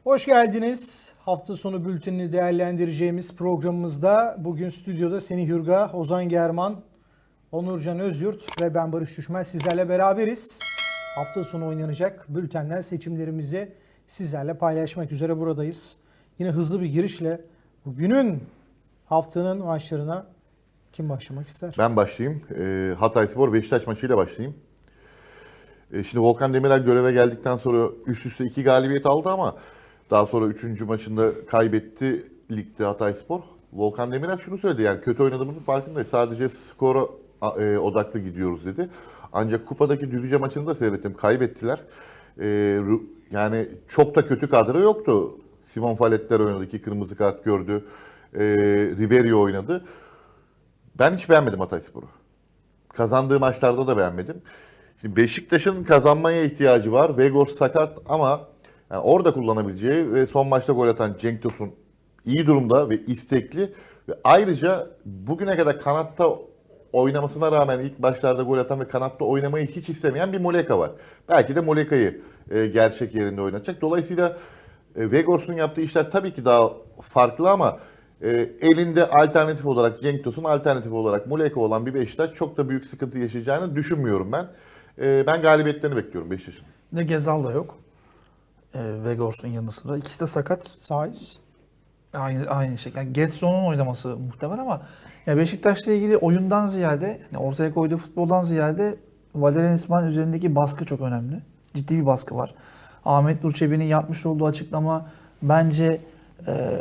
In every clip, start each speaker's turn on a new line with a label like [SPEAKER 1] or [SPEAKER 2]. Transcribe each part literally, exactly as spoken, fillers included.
[SPEAKER 1] Hoş geldiniz. Hafta sonu bültenini değerlendireceğimiz programımızda bugün stüdyoda Semih Hürga, Ozan German, Onurcan Özyurt ve ben Barış Düşmez sizlerle beraberiz. Hafta sonu oynanacak bültenden seçimlerimizi sizlerle paylaşmak üzere buradayız. Yine hızlı bir girişle bugünün haftanın maçlarına kim başlamak ister?
[SPEAKER 2] Ben başlayayım. E, Hatayspor Beşiktaş maçıyla başlayayım. E, şimdi Volkan Demirel göreve geldikten sonra üst üste iki galibiyet aldı ama daha sonra üçüncü maçında kaybetti ligde Hatayspor. Volkan Demirel şunu söyledi, yani kötü oynadığımızın farkındayız. Sadece skora e, odaklı gidiyoruz dedi. Ancak kupadaki Düzce maçını da seyrettim. Kaybettiler. E, yani çok da kötü kadro yoktu. Simon Falletler oynadı. İki kırmızı kart gördü. E, Ribery oynadı. Ben hiç beğenmedim Hatayspor'u. Kazandığı maçlarda da beğenmedim. Şimdi Beşiktaş'ın kazanmaya ihtiyacı var. Vegors sakat ama yani orada kullanabileceği ve son maçta gol atan Cenk Tosun iyi durumda ve istekli. Ve ayrıca bugüne kadar kanatta oynamasına rağmen ilk başlarda gol atan ve kanatta oynamayı hiç istemeyen bir Muleka var. Belki de Muleka'yı e, gerçek yerinde oynatacak. Dolayısıyla e, Vegors'un yaptığı işler tabii ki daha farklı ama e, elinde alternatif olarak Cenk Tosun, alternatif olarak Muleka olan bir Beşiktaş çok da büyük sıkıntı yaşayacağını düşünmüyorum ben. E, ben galibiyetlerini bekliyorum Beşiktaş'ın.
[SPEAKER 3] Ne Gezal da yok. E, Vegors'un yanı sıra. İkisi de sakat.
[SPEAKER 1] Saiz.
[SPEAKER 3] Aynı aynı şekilde. Yani Getson'un oynaması muhtemel ama ya Beşiktaş'la ilgili oyundan ziyade, yani ortaya koyduğu futboldan ziyade Valerian İsmail üzerindeki baskı çok önemli. Ciddi bir baskı var. Ahmet Nur Çebi'nin yapmış olduğu açıklama bence e,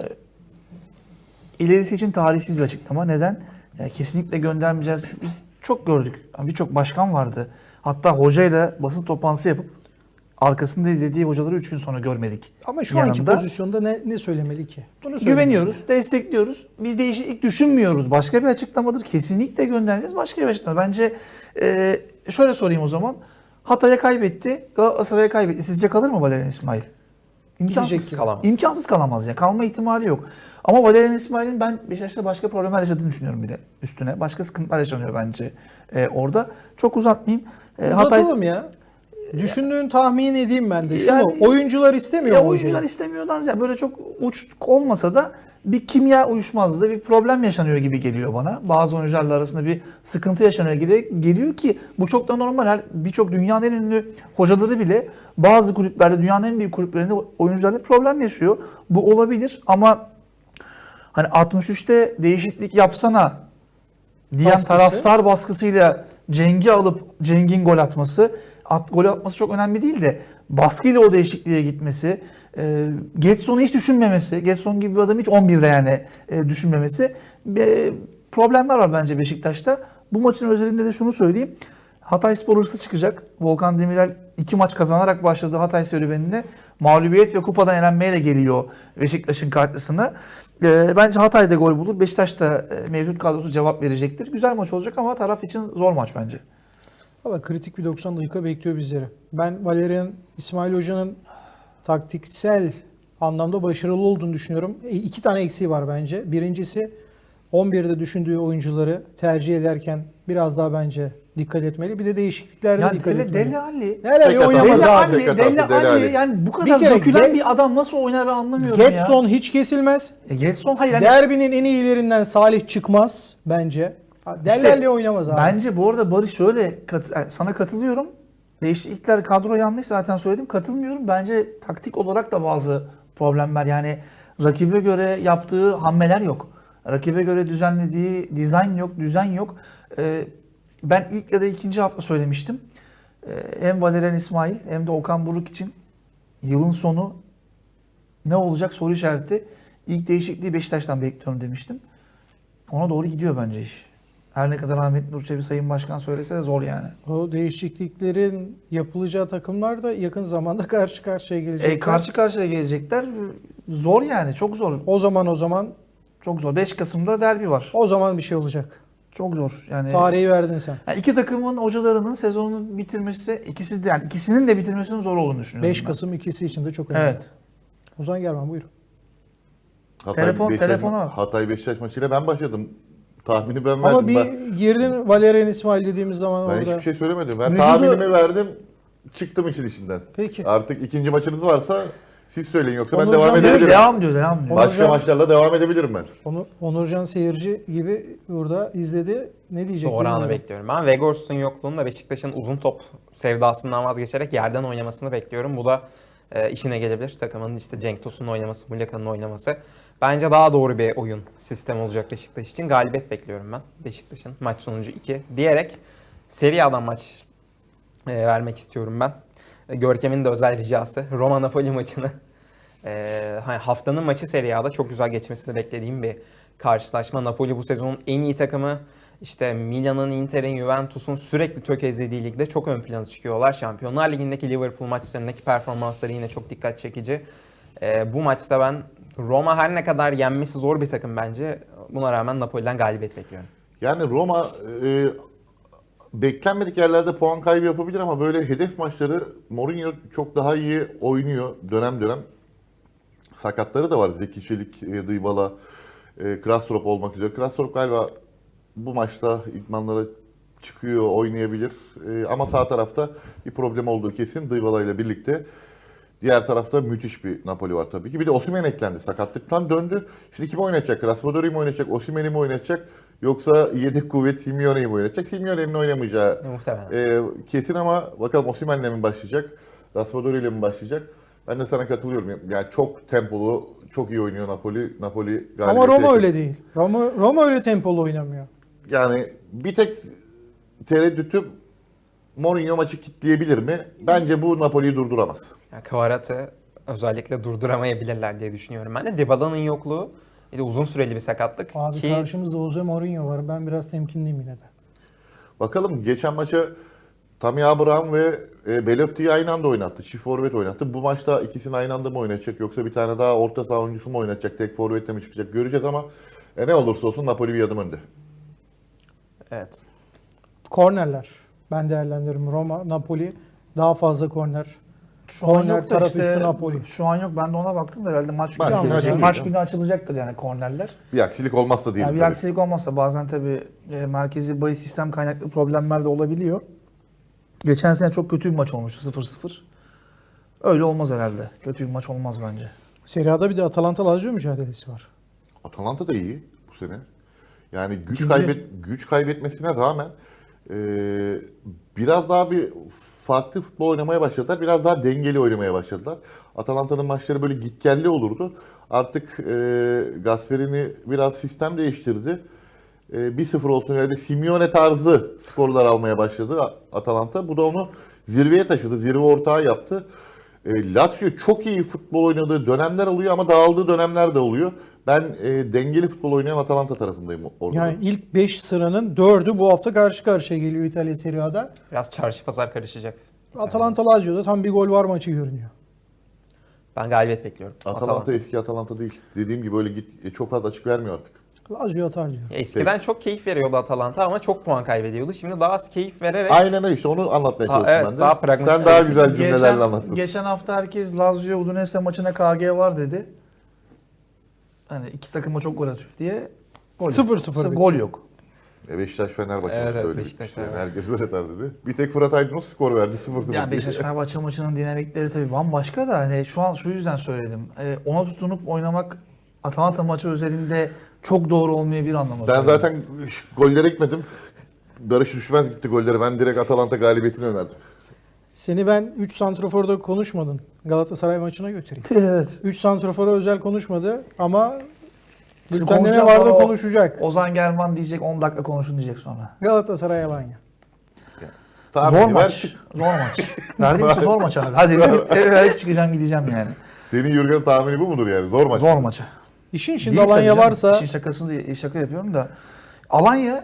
[SPEAKER 3] ilerisi için tarihsiz bir açıklama. Neden? Yani kesinlikle göndermeyeceğiz. Biz çok gördük. Yani birçok başkan vardı. Hatta hocayla basın toplantısı yapıp arkasında izlediği hocaları üç gün sonra görmedik.
[SPEAKER 1] Ama şu
[SPEAKER 3] Yanında,
[SPEAKER 1] anki pozisyonda ne, ne söylemeli ki? Bunu
[SPEAKER 3] güveniyoruz, destekliyoruz. Biz değişiklik düşünmüyoruz. Başka bir açıklamadır. Kesinlikle göndereceğiz. Başka bir açıklama. Bence e, şöyle sorayım o zaman. Hatay'a kaybetti, Galatasaray'a kaybetti. Sizce kalır mı Valerian İsmail? İmkansız
[SPEAKER 1] kalamaz.
[SPEAKER 3] İmkansız kalamaz ya. Kalma ihtimali yok. Ama Valerian İsmail'in ben Beşiktaş'ta başka problemler yaşadığını düşünüyorum bir de üstüne. Başka sıkıntılar yaşanıyor bence e, orada. Çok uzatmayayım. E,
[SPEAKER 1] Uzatalım
[SPEAKER 3] Hatay...
[SPEAKER 1] ya. Düşündüğün tahmin edeyim ben de. Şunu,
[SPEAKER 3] Yani-
[SPEAKER 1] oyuncular istemiyor
[SPEAKER 3] Ya
[SPEAKER 1] mu
[SPEAKER 3] oyuncular
[SPEAKER 1] hocayı?
[SPEAKER 3] istemiyordan ziyade böyle çok uç olmasa da bir kimya uyuşmazlığı, bir problem yaşanıyor gibi geliyor bana. Bazı oyuncularla arasında bir sıkıntı yaşanıyor gibi geliyor ki bu çok da normal. Birçok dünyanın en ünlü hocaları bile bazı kulüplerde, dünyanın en büyük kulüplerinde oyuncularla problem yaşıyor. Bu olabilir ama hani altmış üçte değişiklik yapsana diyen
[SPEAKER 1] Baskısı.
[SPEAKER 3] taraftar baskısıyla Cenk'i alıp Cenk'in gol atması, at, gol atması çok önemli değil de baskıyla o değişikliğe gitmesi, e, Getson'u hiç düşünmemesi, Getson gibi bir adam hiç on birde yani e, düşünmemesi e, problemler var bence Beşiktaş'ta. Bu maçın özelinde de şunu söyleyeyim. Hatayspor hırsı çıkacak. Volkan Demirel iki maç kazanarak başladığı Hatay serüveninde mağlubiyet ve kupadan elenmeyle geliyor Beşiktaş'ın karşısına. E, bence Hatay'da gol bulur. Beşiktaş da e, mevcut kadrosu cevap verecektir. Güzel maç olacak ama taraf için zor maç bence.
[SPEAKER 1] Valla kritik bir doksan dakika bekliyor bizleri. Ben Valerian İsmail Hoca'nın taktiksel anlamda başarılı olduğunu düşünüyorum. E, iki tane eksiği var bence. Birincisi on birde düşündüğü oyuncuları tercih ederken biraz daha bence dikkat etmeli. Bir de değişikliklerde
[SPEAKER 3] Yani
[SPEAKER 1] dikkat
[SPEAKER 3] Dele,
[SPEAKER 1] etmeli.
[SPEAKER 3] Dele Alli.
[SPEAKER 1] Hele
[SPEAKER 2] Tek
[SPEAKER 1] bir
[SPEAKER 2] hata.
[SPEAKER 1] oynamaz
[SPEAKER 3] Dele
[SPEAKER 1] abi.
[SPEAKER 3] Alli,
[SPEAKER 2] Tek
[SPEAKER 3] Dele
[SPEAKER 2] hatası Dele
[SPEAKER 3] Alli.
[SPEAKER 2] Alli.
[SPEAKER 3] Yani bu
[SPEAKER 1] Bir
[SPEAKER 3] kadar
[SPEAKER 1] kere
[SPEAKER 3] dökülen
[SPEAKER 1] Ge-
[SPEAKER 3] bir adam nasıl oynar ben anlamıyorum ya.
[SPEAKER 1] Getson hiç kesilmez.
[SPEAKER 3] E, Getson hayır. Yani,
[SPEAKER 1] Derbinin en iyilerinden Salih çıkmaz bence.
[SPEAKER 3] İşte
[SPEAKER 1] Delali oynamaz abi.
[SPEAKER 3] Bence bu arada Barış şöyle kat- yani sana katılıyorum. Değişiklikler kadro yanlış zaten söyledim. Katılmıyorum. Bence taktik olarak da bazı problemler yani rakibe göre yaptığı hamleler yok. Rakibe göre düzenlediği dizayn yok, düzen yok. Ee, ben ilk ya da ikinci hafta söylemiştim. Ee, hem Valerian İsmail hem de Okan Buruk için yılın sonu ne olacak soru işareti. İlk değişikliği Beşiktaş'tan bekliyorum demiştim. Ona doğru gidiyor bence iş. Her ne kadar Ahmet Nur Çebi Sayın Başkan söylese de zor yani.
[SPEAKER 1] O değişikliklerin yapılacağı takımlar da yakın zamanda karşı karşıya gelecekler.
[SPEAKER 3] E, karşı karşıya gelecekler. Zor yani. Çok zor.
[SPEAKER 1] O zaman o zaman
[SPEAKER 3] Çok zor. beş Kasım'da derbi var.
[SPEAKER 1] o zaman bir şey olacak.
[SPEAKER 3] Çok zor. Yani,
[SPEAKER 1] Tarihi verdin sen.
[SPEAKER 3] yani iki takımın hocalarının sezonunu bitirmesi, ikisi de yani ikisinin de bitirmesinin zor olduğunu düşünüyorum.
[SPEAKER 1] beş
[SPEAKER 3] ben.
[SPEAKER 1] Kasım ikisi için de çok önemli.
[SPEAKER 3] Evet.
[SPEAKER 1] Ozan German buyur.
[SPEAKER 2] Hatay,
[SPEAKER 3] Telefon-
[SPEAKER 2] Beşiktaş,
[SPEAKER 3] telefona bak.
[SPEAKER 2] Hatay Beşiktaş maçıyla ben başladım. Tahmini ben verdim.
[SPEAKER 1] Ama bir
[SPEAKER 2] ben,
[SPEAKER 1] girdin Valerian İsmail dediğimiz zaman
[SPEAKER 2] ben
[SPEAKER 1] orada.
[SPEAKER 2] hiçbir şey söylemedim. Ben
[SPEAKER 3] Vücudu-
[SPEAKER 2] tahminimi verdim. Çıktım işin içinden.
[SPEAKER 1] Peki.
[SPEAKER 2] Artık ikinci maçınız varsa Siz söyleyin yoksa ben
[SPEAKER 1] Onurcan
[SPEAKER 2] devam
[SPEAKER 1] diyor,
[SPEAKER 3] Diyor,
[SPEAKER 2] edebilirim.
[SPEAKER 3] devam diyor, devam diyor.
[SPEAKER 1] Onur-
[SPEAKER 2] Başka
[SPEAKER 1] Onurcan-
[SPEAKER 2] maçlarla devam edebilirim ben.
[SPEAKER 1] Onu, Onurcan seyirci gibi burada izledi. Ne diyecek?
[SPEAKER 4] Doğru anı
[SPEAKER 1] bilmiyorum.
[SPEAKER 4] bekliyorum. Ben Vegors'un yokluğunda Beşiktaş'ın uzun top sevdasından vazgeçerek yerden oynamasını bekliyorum. Bu da e, işine gelebilir. Takımın işte Cenk Tosun'un oynaması, Muleka'nın oynaması. Bence daha doğru bir oyun sistemi olacak Beşiktaş için. Galibiyet bekliyorum ben Beşiktaş'ın. Maç sonucu iki diyerek Serie A'dan maç e, vermek istiyorum ben. E, Görkem'in de özel ricası. Roma-Napoli maçını e, hani haftanın maçı Serie A'da çok güzel geçmesini beklediğim bir karşılaşma. Napoli bu sezonun en iyi takımı. İşte Milan'ın, Inter'in, Juventus'un sürekli tökezlediği ligde çok ön plana çıkıyorlar. Şampiyonlar Ligi'ndeki Liverpool maçlarındaki performansları yine çok dikkat çekici. Ee, bu maçta ben Roma her ne kadar yenmesi zor bir takım bence. Buna rağmen Napoli'den galibiyet bekliyorum.
[SPEAKER 2] Yani Roma e, beklenmedik yerlerde puan kaybı yapabilir ama böyle hedef maçları Mourinho çok daha iyi oynuyor dönem dönem. Sakatları da var. Zeki Çelik, e, Dybala, e, Krastrop olmak üzere. Krastrop galiba bu maçta idmanlara çıkıyor, oynayabilir. E, ama sağ tarafta bir problem olduğu kesin Dybala ile birlikte. Diğer tarafta müthiş bir Napoli var tabii ki. Bir de Osimhen eklendi. Sakatlıktan döndü. Şimdi kim oynatacak? Raspadori'yi mi oynatacak? Osimhen'i mi oynatacak? Yoksa yedek kuvvet Simeone'yi mi oynatacak? Simeone'nin oynamayacağı
[SPEAKER 4] Muhtemelen.
[SPEAKER 2] e, kesin ama bakalım Osimhen'le mi başlayacak? Raspadori ile mi başlayacak? Ben de sana katılıyorum. Yani çok tempolu, çok iyi oynuyor Napoli. Napoli galibiyete
[SPEAKER 1] Ama Roma
[SPEAKER 2] yakın.
[SPEAKER 1] öyle değil. Roma, Roma öyle tempolu oynamıyor.
[SPEAKER 2] Yani bir tek tereddütüm Mourinho maçı kitleyebilir mi? Bence bu Napoli'yi durduramaz.
[SPEAKER 4] Yani Kvarat'ı özellikle durduramayabilirler diye düşünüyorum ben de. Dybala'nın yokluğu bir de uzun süreli bir sakatlık.
[SPEAKER 1] Abi
[SPEAKER 4] ki
[SPEAKER 1] karşımızda Jose Mourinho var. Ben biraz temkinliyim yine de.
[SPEAKER 2] Bakalım geçen maça Tammy Abraham ve e, Belotti'yi aynı anda oynattı. Çift forvet oynattı. Bu maçta ikisini aynı anda mı oynatacak yoksa bir tane daha orta saha oyuncusu mu oynatacak? Tek forvette mi çıkacak? Göreceğiz ama e, ne olursa olsun Napoli bir adım önde.
[SPEAKER 4] evet.
[SPEAKER 1] Kornerler. Ben değerlendiririm. Roma, Napoli daha fazla korner.
[SPEAKER 3] Şu an
[SPEAKER 1] Korner
[SPEAKER 3] yok da
[SPEAKER 1] taraf
[SPEAKER 3] işte,
[SPEAKER 1] üstü Napoli.
[SPEAKER 3] şu an yok. Ben de ona baktım da herhalde maç,
[SPEAKER 2] Maç
[SPEAKER 3] günü,
[SPEAKER 2] günü
[SPEAKER 3] açılacak.
[SPEAKER 2] açılacak.
[SPEAKER 3] maç günü açılacaktır yani kornerler.
[SPEAKER 2] Bir aksilik olmazsa diyelim.
[SPEAKER 3] Yani bir
[SPEAKER 2] tabii.
[SPEAKER 3] aksilik olmazsa bazen tabii e, merkezi bahis sistem kaynaklı problemler de olabiliyor. Geçen sene çok kötü bir maç olmuştu sıfır sıfır. Öyle olmaz herhalde. Kötü bir maç olmaz bence.
[SPEAKER 1] Serie A'da bir de Atalanta Lazio mücadelesi var.
[SPEAKER 2] Atalanta da iyi bu sene. Yani güç
[SPEAKER 3] İkinci.
[SPEAKER 2] kaybet güç kaybetmesine rağmen e, biraz daha bir farklı futbol oynamaya başladılar. Biraz daha dengeli oynamaya başladılar. Atalanta'nın maçları böyle gitgelli olurdu. Artık e, Gasperini biraz sistem değiştirdi. E, bir sıfır olsun yani Simeone tarzı skorlar almaya başladı Atalanta. Bu da onu zirveye taşıdı. Zirve ortağı yaptı. E, Lazio çok iyi futbol oynadığı dönemler oluyor ama dağıldığı dönemler de oluyor. Ben e, dengeli futbol oynayan Atalanta tarafındayım orada.
[SPEAKER 1] Yani ilk beş sıranın dördü bu hafta karşı karşıya geliyor İtalya Serie A'da.
[SPEAKER 4] Biraz çarşı pazar karışacak.
[SPEAKER 1] Atalanta Lazio'da tam bir gol var maçı görünüyor.
[SPEAKER 4] Ben galibiyet bekliyorum.
[SPEAKER 2] Atalanta eski Atalanta değil. Dediğim gibi öyle git e, çok fazla açık vermiyor artık.
[SPEAKER 1] Lazio atar diyor.
[SPEAKER 4] Ya eskiden çok keyif veriyordu Atalanta ama çok puan kaybediyordu. Şimdi daha az keyif vererek
[SPEAKER 2] Aynen öyle işte onu anlatmaya
[SPEAKER 4] Ha,
[SPEAKER 2] çalıştım
[SPEAKER 4] evet,
[SPEAKER 2] ben de.
[SPEAKER 4] daha pragmatik
[SPEAKER 2] Sen daha
[SPEAKER 4] olmuş.
[SPEAKER 2] güzel cümlelerle
[SPEAKER 3] Geçen,
[SPEAKER 2] anlattın.
[SPEAKER 3] geçen hafta herkes Lazio Udinese maçına K G var dedi. Hani iki takıma çok gol atıyor diye. Gol
[SPEAKER 1] Sıfır
[SPEAKER 3] yok.
[SPEAKER 1] sıfır
[SPEAKER 3] Gol yok.
[SPEAKER 2] E, Beşiktaş Fenerbahçe
[SPEAKER 4] Evet,
[SPEAKER 2] maçı
[SPEAKER 4] evet,
[SPEAKER 2] öyle
[SPEAKER 4] Beşiktaş,
[SPEAKER 2] bitmişti. Yani
[SPEAKER 4] Fenerbahçe.
[SPEAKER 2] herkes böyle der dedi. Bir tek Fırat Aydınus skor verdi sıfır sıfır.
[SPEAKER 3] Yani Beşiktaş Fenerbahçe maçının dinamikleri tabii bambaşka da hani şu an şu yüzden söyledim. Ee, ona tutunup oynamak Atalanta maçı özelinde çok doğru olmayabilir anlamında.
[SPEAKER 2] Ben zaten gollere gitmedim. Barış Düşmez gitti golleri. Ben direkt Atalanta galibiyetini önerdim.
[SPEAKER 1] Seni ben üç santroforda konuşmadın. Galatasaray maçına götüreyim.
[SPEAKER 3] Evet.
[SPEAKER 1] üç santrofora özel konuşmadı ama
[SPEAKER 3] Şimdi
[SPEAKER 1] bültende ne
[SPEAKER 3] konuşacak
[SPEAKER 1] vardı
[SPEAKER 3] ama o-
[SPEAKER 1] konuşacak.
[SPEAKER 3] Ozan German diyecek on dakika konuşun diyecek sonra.
[SPEAKER 1] Galatasaray Alanya.
[SPEAKER 2] Tahmini
[SPEAKER 3] Zor
[SPEAKER 2] ver.
[SPEAKER 3] maç. Zor maç. Verdiğim için zor maç abi. Hadi evet çıkacağım gideceğim yani.
[SPEAKER 2] Senin Jürgen tahmini bu mudur yani? Zor maç.
[SPEAKER 3] Zor maçı.
[SPEAKER 1] İşin şimdi
[SPEAKER 3] Değil
[SPEAKER 1] Alanya
[SPEAKER 3] tabii canım.
[SPEAKER 1] varsa
[SPEAKER 3] İşin şakasını değil, şaka yapıyorum da. Alanya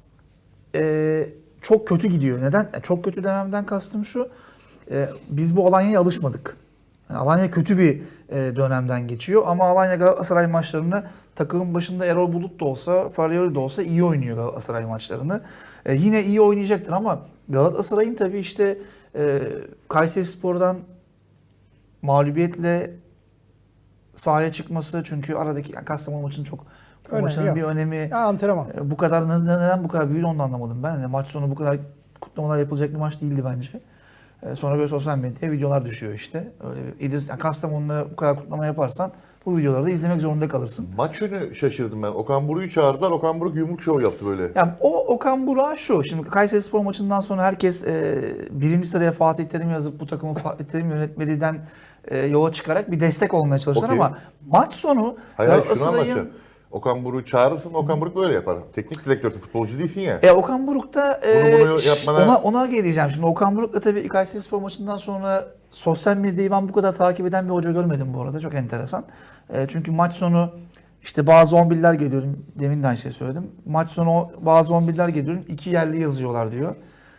[SPEAKER 3] e, çok kötü gidiyor. Neden? E, Çok kötü dememden kastım şu. e, biz bu Alanya'ya alışmadık. Yani Alanya kötü bir e, dönemden geçiyor ama Alanya Galatasaray maçlarını takımın başında Erol Bulut da olsa, Faryoli de olsa iyi oynuyor Galatasaray maçlarını. E, yine iyi oynayacaktır ama Galatasaray'ın tabii işte e, Kayserispor'dan mağlubiyetle sahaya çıkması çünkü aradaki yani Kastamonu maçının çok bu
[SPEAKER 1] Önemi
[SPEAKER 3] maçın
[SPEAKER 1] yok.
[SPEAKER 3] bir önemi
[SPEAKER 1] ya antrenman.
[SPEAKER 3] e, bu kadar neden, neden bu kadar büyüdü onu da anlamadım ben. Yani maç sonu bu kadar kutlamalar yapılacak bir maç değildi bence. E, sonra böyle sosyal medyaya videolar düşüyor işte. Öyle bir İdris, yani Kastamonu'da bu kadar kutlama yaparsan bu videoları da izlemek zorunda kalırsın.
[SPEAKER 2] Maç yönü şaşırdım ben. Okan Buruk'u çağırdılar. Okan Buruk yumruk şov yaptı böyle.
[SPEAKER 3] Yani o Okan Burak'a şu, şimdi Kayserispor maçından sonra herkes e, birinci sıraya Fatih Terim yazıp bu takımı Fatih Terim yönetmeliğinden e, yola çıkarak bir destek olmaya çalıştılar
[SPEAKER 2] Okey.
[SPEAKER 3] ama maç sonu
[SPEAKER 2] Hayır hayır şunu
[SPEAKER 3] Galatasaray'ın-
[SPEAKER 2] anlatacağım. Okan Buruk'u çağırırsın, Okan Buruk böyle yapar. Teknik direktörsün, futbolcu değilsin ya.
[SPEAKER 3] E Okan Buruk da e,
[SPEAKER 2] Bunu- bunu yapmana-
[SPEAKER 3] ona ona geleceğim. Şimdi Okan Buruk da tabii Kayserispor maçından sonra sosyal medyayı ben bu kadar takip eden bir hoca görmedim bu arada. Çok enteresan. E, çünkü maç sonu işte bazı on birler geliyorum. Demin de aynı şey söyledim. Maç sonu bazı on birler geliyorum. İki yerli yazıyorlar diyor.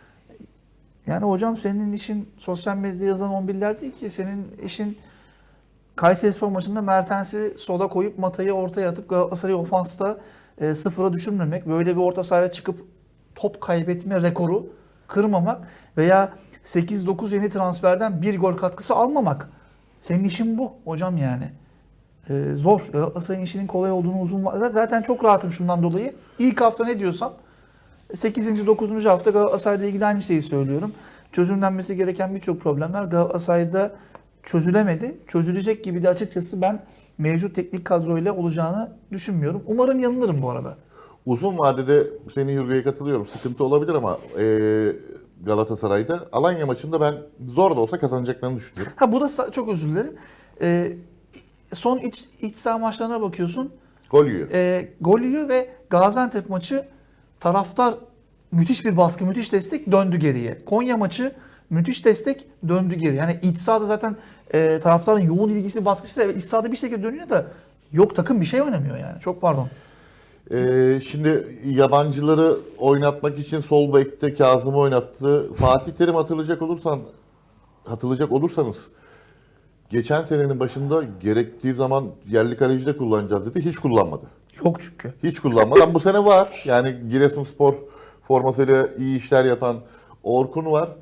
[SPEAKER 3] Yani hocam senin işin sosyal medyada yazan on birler değil ki. Senin işin Kayserispor maçında Mertens'i sola koyup Mata'yı ortaya atıp Galatasaray'ı ofansta e, sıfıra düşürmemek. Böyle bir orta sahaya çıkıp top kaybetme rekoru kırmamak veya sekiz dokuz yeni transferden bir gol katkısı almamak. Senin işin bu hocam yani. E, zor. Galatasaray'ın işinin kolay olduğunu uzun va- zaten çok rahatım şundan dolayı. İlk hafta ne diyorsam sekizinci dokuzuncu hafta Galatasaray'la ilgili aynı şeyi söylüyorum. Çözümlenmesi gereken birçok problemler Galatasaray'da çözülemedi. Çözülecek gibi de açıkçası ben mevcut teknik kadroyla olacağını düşünmüyorum. Umarım yanılırım bu arada.
[SPEAKER 2] Uzun vadede senin Yurga'ya katılıyorum. Sıkıntı olabilir ama e, Galatasaray'da Alanya maçında ben zor da olsa kazanacaklarını düşünüyorum.
[SPEAKER 3] Ha bu da sa- çok özür dilerim. Ee, son iç, iç saha maçlarına bakıyorsun.
[SPEAKER 2] Gol yiyor.
[SPEAKER 3] E, gol yiyor ve Gaziantep maçı taraftar müthiş bir baskı, müthiş destek döndü geriye. Konya maçı müthiş destek döndü geri. Yani iç sahada zaten e, taraftarın yoğun ilgisi, baskısı da iç sahada bir şekilde dönüyor da yok takım bir şey oynamıyor yani. Çok pardon.
[SPEAKER 2] Ee, şimdi yabancıları oynatmak için sol bekte Kazım'ı oynattı. Fatih Terim hatırlayacak olursan hatırlayacak olursanız geçen senenin başında gerektiği zaman yerli kaleci de kullanacağız dedi. Hiç kullanmadı.
[SPEAKER 3] Yok çünkü.
[SPEAKER 2] Hiç kullanmadan bu sene var. Yani Giresunspor formasıyla iyi işler yapan Orkun var.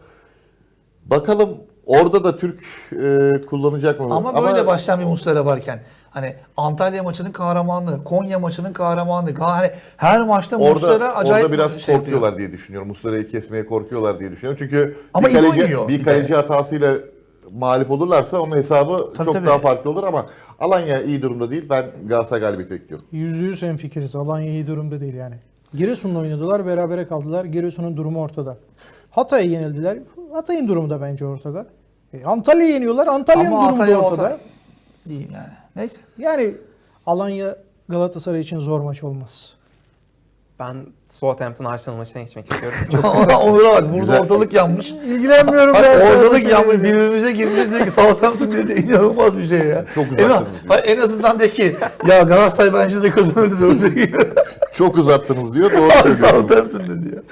[SPEAKER 2] Bakalım orada da Türk e, kullanacak mı?
[SPEAKER 3] Ama böyle başlayan bir Muslera varken hani Antalya maçının kahramanlığı, Konya maçının kahramanlığı. Hani her maçta Muslera
[SPEAKER 2] Orada,
[SPEAKER 3] acayip
[SPEAKER 2] orada biraz
[SPEAKER 3] şey
[SPEAKER 2] korkuyorlar
[SPEAKER 3] yapıyor.
[SPEAKER 2] diye düşünüyorum. Muslera'yı kesmeye korkuyorlar diye düşünüyorum. Çünkü
[SPEAKER 3] Ama
[SPEAKER 2] bir
[SPEAKER 3] iyi
[SPEAKER 2] kaleci,
[SPEAKER 3] oynuyor
[SPEAKER 2] bir
[SPEAKER 3] bir
[SPEAKER 2] kaleci
[SPEAKER 3] de.
[SPEAKER 2] hatasıyla mağlup olurlarsa onun hesabı
[SPEAKER 3] Tabii,
[SPEAKER 2] çok
[SPEAKER 3] tabii.
[SPEAKER 2] daha farklı olur ama Alanya iyi durumda değil. Ben Galatasaray galibiyeti bekliyorum.
[SPEAKER 1] Yüzde yüz hemfikiriz. Alanya iyi durumda değil yani. Giresun'la oynadılar, berabere kaldılar. Giresun'un durumu ortada. Hatay'a yenildiler. Hatay'ın durumu da bence ortada. E, Antalya'yı yeniyorlar. Antalya'nın
[SPEAKER 3] Ama
[SPEAKER 1] durumu da
[SPEAKER 3] Antalya
[SPEAKER 1] ortada.
[SPEAKER 3] ortada. Değil yani. Neyse.
[SPEAKER 1] Yani Alanya Galatasaray için zor maç olmaz.
[SPEAKER 4] Ben Southampton Arsenal maçına geçmek istiyorum.
[SPEAKER 3] Onur'a bak burada
[SPEAKER 2] Güzel.
[SPEAKER 3] ortalık yanmış.
[SPEAKER 1] İlgilenmiyorum
[SPEAKER 3] Bak,
[SPEAKER 1] ben.
[SPEAKER 3] ortalık yanmış birbirimize girmiş diyor ki Southampton dedi inanılmaz bir şey ya.
[SPEAKER 2] Çok
[SPEAKER 3] En,
[SPEAKER 2] uzattınız diyor.
[SPEAKER 3] en azından de ki ya Galatasaray bence de kazanırdı dördü.
[SPEAKER 2] Çok uzattınız diyor. Doğru söylüyorsunuz.
[SPEAKER 3] Southampton dedi ya.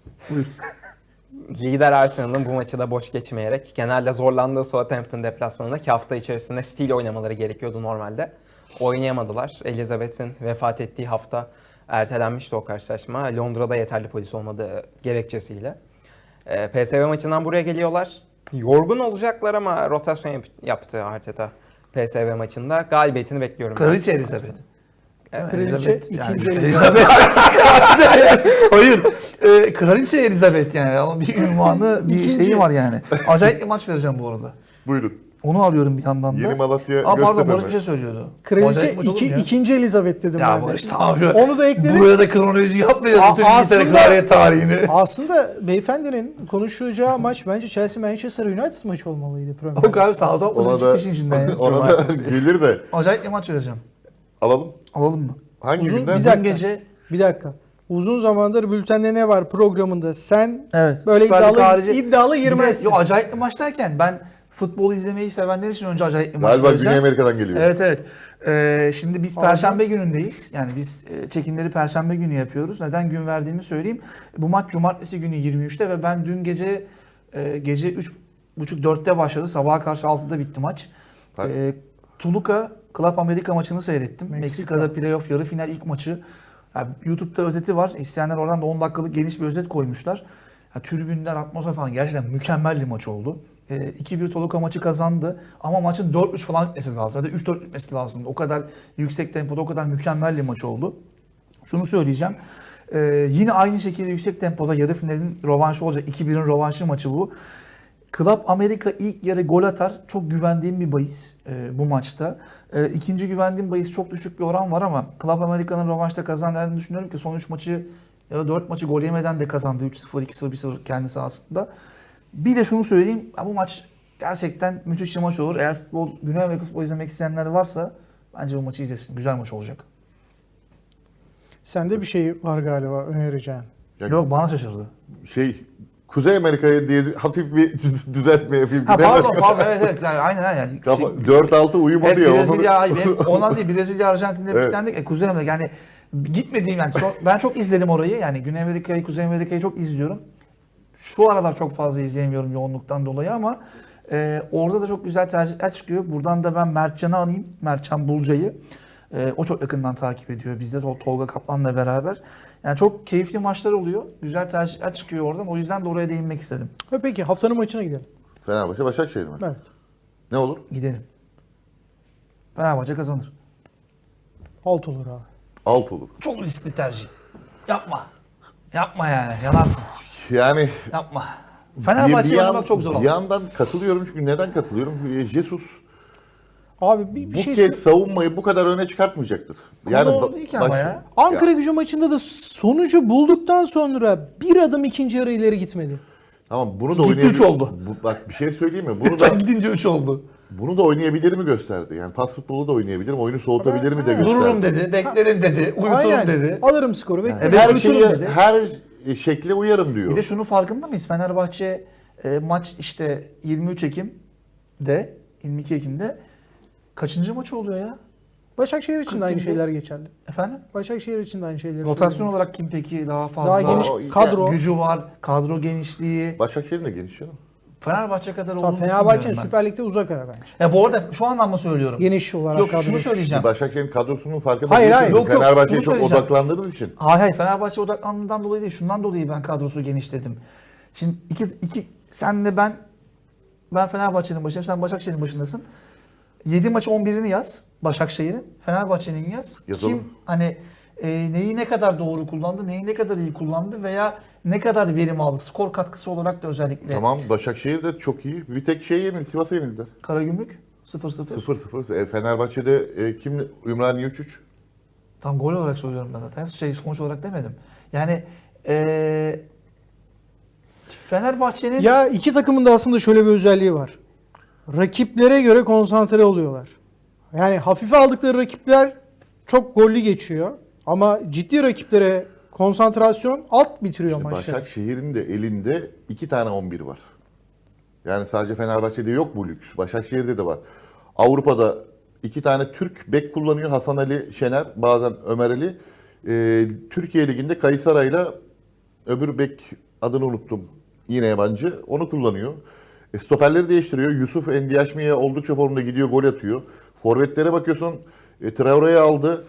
[SPEAKER 4] Lider Arsenal'ın bu maçı da boş geçmeyerek genelde zorlandığı Southampton deplasmanındaki hafta içerisinde stil oynamaları gerekiyordu normalde. Oynayamadılar. Elizabeth'in vefat ettiği hafta ertelenmişti o karşılaşma. Londra'da yeterli polis olmadığı gerekçesiyle. Ee, P S V maçından buraya geliyorlar. Yorgun olacaklar ama rotasyon yap- yaptı Arteta P S V maçında. Galibiyetini bekliyorum. ben.
[SPEAKER 3] Kraliçe Elizabeth.
[SPEAKER 4] Evet.
[SPEAKER 1] Kraliçe,
[SPEAKER 3] Elizabeth, yani.
[SPEAKER 1] ikinci
[SPEAKER 3] Elizabeth. Hayır. E, Kraliçe Elizabeth yani. Ama bir ünvanı, bir
[SPEAKER 1] İkinci.
[SPEAKER 3] şeyi var yani. Acayip bir maç vereceğim bu arada.
[SPEAKER 2] Buyurun.
[SPEAKER 3] Onu arıyorum bir yandan da.
[SPEAKER 2] Yeni Malatya
[SPEAKER 3] Aa pardon
[SPEAKER 2] Göztepe
[SPEAKER 3] Barış bir
[SPEAKER 2] mi?
[SPEAKER 3] şey söylüyordu.
[SPEAKER 1] Kraliçe
[SPEAKER 3] Acayip maç olur
[SPEAKER 1] iki,
[SPEAKER 3] mu ya?
[SPEAKER 1] ikinci Elizabeth dedim
[SPEAKER 3] Ya
[SPEAKER 1] ben de.
[SPEAKER 3] Barış tamam ya.
[SPEAKER 1] Onu da ekledim.
[SPEAKER 3] Buraya da kronoloji yapmayacağız.
[SPEAKER 1] A-
[SPEAKER 3] Bütün İngiltere
[SPEAKER 1] aslında-
[SPEAKER 3] kraliyet tarihini.
[SPEAKER 1] Aslında beyefendinin konuşacağı maç bence Chelsea Manchester United maçı olmalıydı Premier
[SPEAKER 3] O kadar
[SPEAKER 1] Lig'de.
[SPEAKER 3] Southampton'ın
[SPEAKER 2] Ona
[SPEAKER 3] çıktı
[SPEAKER 2] da,
[SPEAKER 3] işin içinden ya.
[SPEAKER 2] ona da gelir de
[SPEAKER 3] Acayip bir maç vereceğim.
[SPEAKER 2] alalım.
[SPEAKER 3] Alalım mı?
[SPEAKER 2] Hangi
[SPEAKER 1] Uzun
[SPEAKER 2] günden?
[SPEAKER 1] bir dakika.
[SPEAKER 3] Dün gece
[SPEAKER 1] Bir dakika. Uzun zamandır bültende ne var programında sen
[SPEAKER 3] evet,
[SPEAKER 1] böyle
[SPEAKER 3] Süper Lig
[SPEAKER 1] iddialı,
[SPEAKER 3] harici-
[SPEAKER 1] iddialı
[SPEAKER 3] Bir de-
[SPEAKER 1] girmezsin.
[SPEAKER 3] Yo, acayip bir maç derken ben futbol izlemeyi sevenler için önce acayip bir maç
[SPEAKER 2] Galiba
[SPEAKER 3] vereceğim.
[SPEAKER 2] Güney Amerika'dan geliyor.
[SPEAKER 3] Evet evet. Ee, şimdi biz
[SPEAKER 1] Pardon.
[SPEAKER 3] Perşembe günündeyiz. Yani biz e, çekimleri Perşembe günü yapıyoruz. Neden gün verdiğimi söyleyeyim. Bu maç Cumartesi günü yirmi üçte ve ben dün gece e, gece üç buçuk dörtte başladı. Sabaha karşı altıda bitti maç.
[SPEAKER 2] Tabii.
[SPEAKER 3] E, Toluca Club Amerika maçını seyrettim.
[SPEAKER 1] Meksika.
[SPEAKER 3] Meksika'da playoff yarı final ilk maçı. Yani YouTube'da özeti var. İsteyenler oradan da on dakikalık geniş bir özet koymuşlar. Ya, tribünler, atmosfer falan gerçekten mükemmel bir maç oldu. E, iki bir Toluca maçı kazandı. Ama maçın dört üç falan bitmesi lazım. Ya da üç dört bitmesi lazım. O kadar yüksek tempoda, o kadar mükemmel bir maç oldu. Şunu söyleyeceğim. E, yine aynı şekilde yüksek tempoda yarı finalin rövanşı olacak. iki birin rövanşı maçı bu. Club Amerika ilk yarı gol atar. Çok güvendiğim bir bahis e, bu maçta. E, ikinci güvendiğim bahis çok düşük bir oran var ama Club Amerika'nın rövanşta kazanacağını düşünüyorum ki son üç maçı ya da dört maçı gol yemeden de kazandı. üç sıfır, iki sıfır, bir sıfır kendi sahasında. Bir de şunu söyleyeyim. Bu maç gerçekten müthiş bir maç olur. Eğer futbol, Güney Amerika futbol izlemek isteyenler varsa bence bu maçı izlesin. Güzel maç olacak.
[SPEAKER 1] Sende bir şey var galiba önereceğin.
[SPEAKER 2] Yani
[SPEAKER 3] Yok bana şaşırdı.
[SPEAKER 2] şey Kuzey Amerika'ya diye hafif bir düzeltme yapayım.
[SPEAKER 3] Ha
[SPEAKER 2] Değil mi?
[SPEAKER 3] pardon pardon evet evet yani, aynen aynen.
[SPEAKER 2] Kafa,
[SPEAKER 3] Şey-
[SPEAKER 2] dört altı uyumadı
[SPEAKER 3] Hep
[SPEAKER 2] ya.
[SPEAKER 3] Brezilya,
[SPEAKER 2] Onu...
[SPEAKER 3] hayır, ondan değil Brezilya, Arjantin'le
[SPEAKER 2] Evet.
[SPEAKER 3] bitlendik. E, Kuzey Amerika yani gitmediğim yani son- ben çok izledim orayı yani Güney Amerika'yı, Kuzey Amerika'yı çok izliyorum. Şu aralar çok fazla izleyemiyorum yoğunluktan dolayı ama e, orada da çok güzel tercihler çıkıyor. Buradan da ben Mertcan'ı anayım, Mertcan Bulca'yı. E, o çok yakından takip ediyor bizde Tol- Tolga Kaplan'la beraber. Yani çok keyifli maçlar oluyor. Güzel tercihler çıkıyor oradan. O yüzden de oraya değinmek istedim.
[SPEAKER 1] Ha, peki haftanın maçına gidelim.
[SPEAKER 2] Fenerbahçe Başakşehir mi?
[SPEAKER 1] Evet.
[SPEAKER 2] Ne olur?
[SPEAKER 3] Gidelim. Fenerbahçe kazanır.
[SPEAKER 1] Alt olur abi.
[SPEAKER 2] Alt olur.
[SPEAKER 3] Çok riskli tercih. Yapma. Yapma yani. Yanarsın.
[SPEAKER 2] Yani
[SPEAKER 3] Yapma. Fenerbahçe'yi
[SPEAKER 2] yan-
[SPEAKER 3] oynamak çok zor
[SPEAKER 2] bir
[SPEAKER 3] oldu.
[SPEAKER 2] yandan katılıyorum çünkü neden katılıyorum? Jesus
[SPEAKER 1] Abi bir, bir
[SPEAKER 2] bu
[SPEAKER 1] şey
[SPEAKER 2] kez
[SPEAKER 1] sö-
[SPEAKER 2] savunmayı bu kadar öne çıkartmayacaktır.
[SPEAKER 3] Yani
[SPEAKER 2] ba-
[SPEAKER 3] doğru değil ki ama
[SPEAKER 2] baş-
[SPEAKER 3] ya.
[SPEAKER 1] Ankara Gücü maçında da sonucu bulduktan sonra bir adım ikinci yarı ileri gitmedi.
[SPEAKER 2] Tamam bunu da
[SPEAKER 3] Gitti
[SPEAKER 2] oynayabilir.
[SPEAKER 3] üç oldu.
[SPEAKER 2] Bu, bak bir şey söyleyeyim mi? Bunu da
[SPEAKER 3] Gidince üç oldu.
[SPEAKER 2] bunu da oynayabilir mi gösterdi. Yani pas futbolu da oynayabilirim, oyunu soğutabilir mi de gösterdi.
[SPEAKER 3] Dururum dedi, beklerim dedi, uyuturum
[SPEAKER 1] Aynen.
[SPEAKER 3] dedi.
[SPEAKER 1] Alırım skoru. beklerim.
[SPEAKER 3] Evet,
[SPEAKER 2] Her
[SPEAKER 3] uyuturum
[SPEAKER 2] şeye,
[SPEAKER 3] dedi.
[SPEAKER 2] her şekle uyarım diyor.
[SPEAKER 3] Bir de şunu farkında mıyız? Fenerbahçe e, maç işte yirmi üç Ekim'de, yirmi iki Ekim'de kaçıncı maçı oluyor ya?
[SPEAKER 1] Başakşehir için de aynı
[SPEAKER 3] kırk
[SPEAKER 1] şeyler geçerli.
[SPEAKER 3] Efendim?
[SPEAKER 1] Başakşehir için de aynı şeyler.
[SPEAKER 3] Rotasyon
[SPEAKER 1] söylüyorum.
[SPEAKER 3] olarak kim peki daha fazla?
[SPEAKER 1] Daha geniş
[SPEAKER 2] O-
[SPEAKER 1] kadro.
[SPEAKER 3] Gücü var, kadro genişliği.
[SPEAKER 2] Başakşehir'in de geniş canım.
[SPEAKER 3] Fenerbahçe kadar
[SPEAKER 1] Tamam,
[SPEAKER 3] olduğunu
[SPEAKER 1] Fenerbahçe'nin
[SPEAKER 3] düşünmüyorum ben.
[SPEAKER 1] Süper Lig'de uzak ara bence.
[SPEAKER 3] Ya bu arada şu anlamda söylüyorum.
[SPEAKER 1] Geniş olarak
[SPEAKER 3] Yok şunu
[SPEAKER 1] kadrosu.
[SPEAKER 3] söyleyeceğim.
[SPEAKER 2] Başakşehir'in kadrosunun farkında
[SPEAKER 1] Hayır,
[SPEAKER 2] değilsin.
[SPEAKER 1] hayır.
[SPEAKER 3] Yok, yok,
[SPEAKER 2] Fenerbahçe'ye
[SPEAKER 3] şunu
[SPEAKER 2] çok
[SPEAKER 3] söyleyeceğim.
[SPEAKER 2] odaklandığınız için.
[SPEAKER 3] Hayır hayır Fenerbahçe odaklandığından dolayı değil. Şundan dolayı ben kadrosu genişledim. Şimdi iki, iki senle ben ben Fenerbahçe'nin başındayım. Sen Başakşehir'in başındasın. yedi maç on birini yaz Başakşehir'in. Fenerbahçe'nin yaz.
[SPEAKER 2] Yazalım.
[SPEAKER 3] Kim hani e, neyi ne kadar doğru kullandı, neyi ne kadar iyi kullandı veya ne kadar verim aldı. Skor katkısı olarak da özellikle.
[SPEAKER 2] Tamam Başakşehir de çok iyi. Bir tek şey yenildi. Sivas'a yenildiler.
[SPEAKER 3] Karagümrük sıfır sıfır.
[SPEAKER 2] sıfır sıfır. E, Fenerbahçe'de e, kim? Ümraniye üç üç.
[SPEAKER 3] Tam gol olarak söylüyorum ben zaten. Şey sonuç olarak demedim. Yani e, Fenerbahçe'nin
[SPEAKER 1] Ya iki takımın da aslında şöyle bir özelliği var. Rakiplere göre konsantre oluyorlar. Yani hafife aldıkları rakipler çok gollü geçiyor. Ama ciddi rakiplere konsantrasyon alt bitiriyor
[SPEAKER 2] İşte
[SPEAKER 1] maçları.
[SPEAKER 2] Başakşehir'in de elinde iki tane on bir var. Yani sadece Fenerbahçe'de yok bu lüks. Başakşehir'de de var. Avrupa'da iki tane Türk bek kullanıyor. Hasan Ali Şener, bazen Ömer Ali. Ee, Türkiye Ligi'nde Kaysaray'la öbür bek adını unuttum. Yine yabancı. Onu kullanıyor. E, stoperleri değiştiriyor. Yusuf Endiaşmi'ye oldukça formda gidiyor, gol atıyor. Forvetlere bakıyorsun. E, Traore'yi aldı.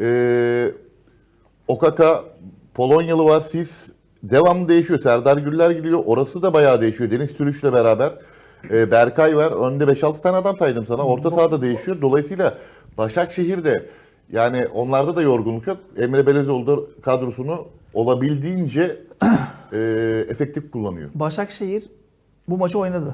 [SPEAKER 2] E, Okaka, Polonyalı var. Sis devamlı değişiyor. Serdar Güller gidiyor. Orası da bayağı değişiyor. Deniz Türüş'le beraber. E, Berkay var. Önde beş altı tane adam saydım sana. Orta sahada değişiyor. Dolayısıyla Başakşehir'de yani onlarda da yorgunluk yok. Emre Belezoğlu da kadrosunu olabildiğince e, efektif kullanıyor.
[SPEAKER 3] Başakşehir bu maçı oynadı.